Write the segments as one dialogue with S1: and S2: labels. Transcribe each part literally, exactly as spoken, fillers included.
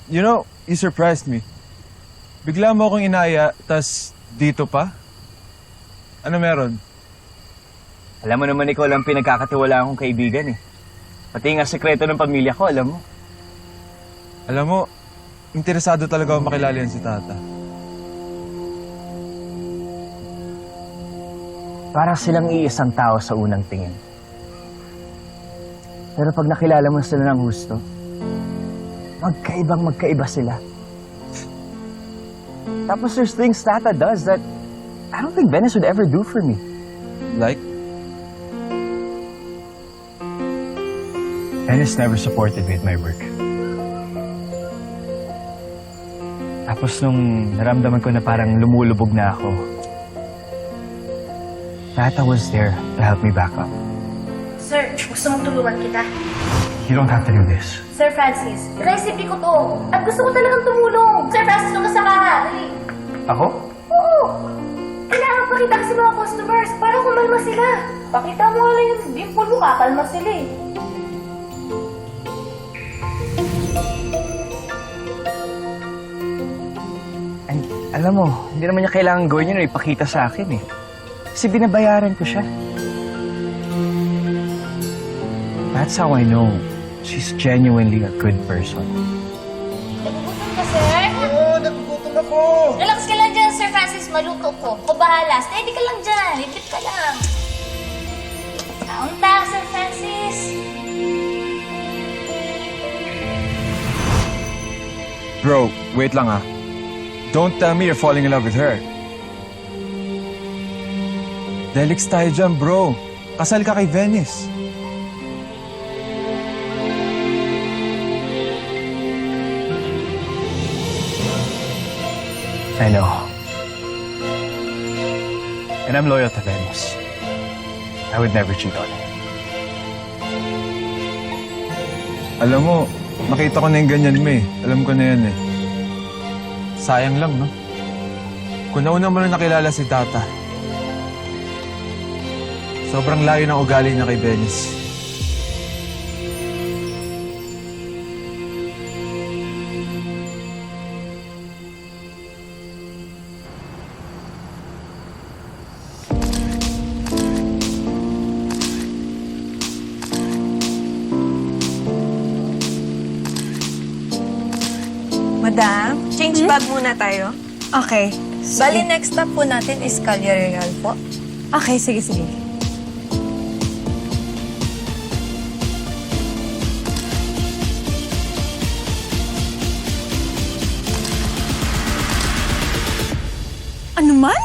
S1: You know, you surprised me. Bigla mo akong inaya, tas dito pa? Ano meron?
S2: Alam mo naman ikaw lang pinagkakatiwala akong kaibigan eh. Pati nga sekreto ng pamilya ko, alam mo.
S1: Alam mo, interesado talaga ako makilala yan si Tata.
S2: Parang silang iisang tao sa unang tingin. Pero pag nakilala mo sila ng gusto, magkaibang magkaiba sila. Tapos there's things Tata does that I don't think Venice would ever do for me.
S1: Like?
S2: Venice never supported me at my work. Tapos nung naramdaman ko na parang lumulubog na ako, Tata was there to help me back up.
S3: Sir, gusto mong tulungan kita?
S2: You don't have to do this.
S3: Sir Francis, recipe ko to. At gusto ko talagang tumulong. Sir Francis, nung nasa ka. Dali.
S2: Ako?
S3: Oo. Kailangan pakita ka sa mga customers para kumalma sila. Pakita mo lang yung dimple mo, kakalma sila eh.
S2: Ay, alam mo, hindi naman niya kailangan gawin yun o ipakita sa akin eh. Kasi binabayaran ko siya. That's how I know she's genuinely a good person.
S3: Nagugutom ka, sir?
S1: Oo, nagugutom ako!
S3: Relax ka lang dyan, Sir Francis. Maluto ko. O bahala. Steady ka lang dyan. Lipit ka lang. Taon-taon, Sir Francis.
S1: Bro, wait lang ah. Don't tell me you're falling in love with her. Delix tayo dyan, bro. Kasal ka kay Venice.
S2: I know. And I'm loyal to Venice. I would never cheat on her.
S1: Alam mo, nakita ko na yung ganyan mo eh. Alam ko na yan eh. Sayang lang, no? Kung nauna mo na nakilala si Tata, sobrang layo ng ugali niya kay Venice.
S4: Madam, change bag muna tayo.
S5: Okay.
S4: Bali, next stop po natin is Calle Real po.
S5: Okay, sige, sige. Ano man?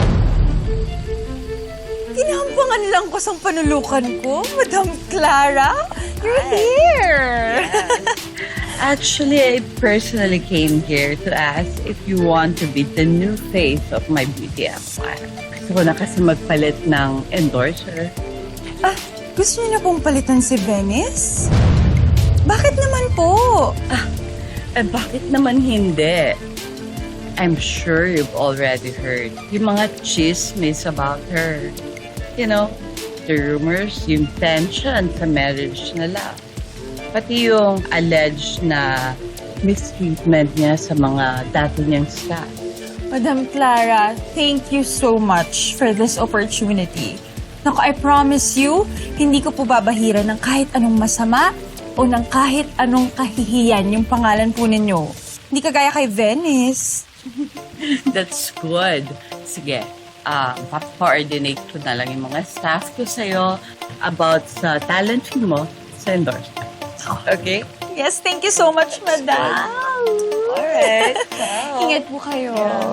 S5: Ginampangan lang ko sa panulukan ko, Madam Clara. You're here.
S6: Actually, I personally came here to ask if you want to be the new face of my beauty empire. Gusto ko na kasi magpalit ng endorser.
S5: Ah, gusto niyo na pong palitan si Venice? Bakit naman po?
S6: Eh, bakit naman hindi? I'm sure you've already heard yung mga chismis about her. You know, the rumors, yung tension sa marriage nila. Pati yung alleged na mistreatment niya sa mga dati niyang staff.
S5: Madam Clara, thank you so much for this opportunity. Naku, I promise you, hindi ko po babahira ng kahit anong masama o ng kahit anong kahihiyan yung pangalan po ninyo. Hindi kagaya kay Venice.
S6: That's good. Sige, uh, pa-coordinate ko na lang yung mga staff ko sa'yo about sa talent fee mo sa endorsement. Okay?
S5: Yes, thank you so much, Madam.
S6: Alright.
S5: Ingat po kayo.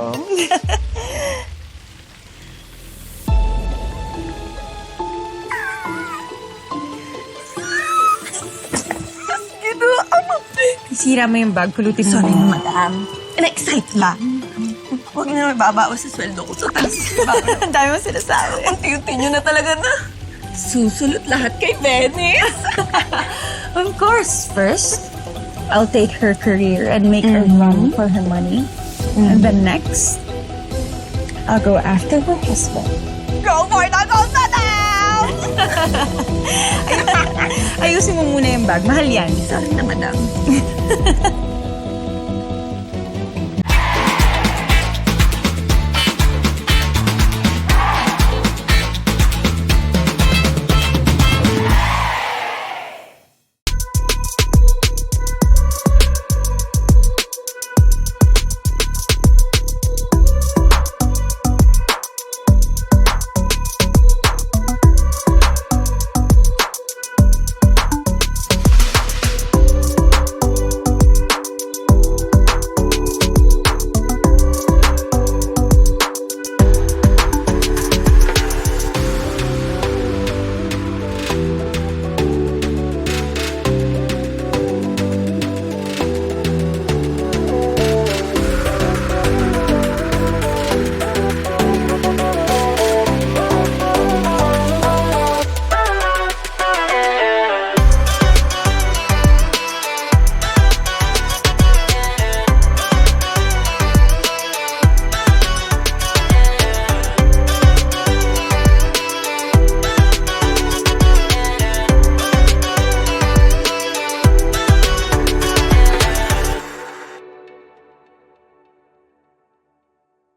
S4: Ito, ano?
S5: Isira mo yung bag, pulutin mo.
S4: Sorry na, madam. Na-excite lang. Huwag niyo na mababawas sa sweldo ko. So, talagang sinabawa.
S5: Ang dami mo sinasabi.
S4: Unti-unti niyo na talaga na. Susulot lahat kay Venice.
S5: Of course, first, I'll take her career and make her run for her money. And then next, I'll go after her husband.
S4: Go for the gold medal!
S5: Ayusin mo muna yung bag. Mahal yan.
S4: Sorry na, madam.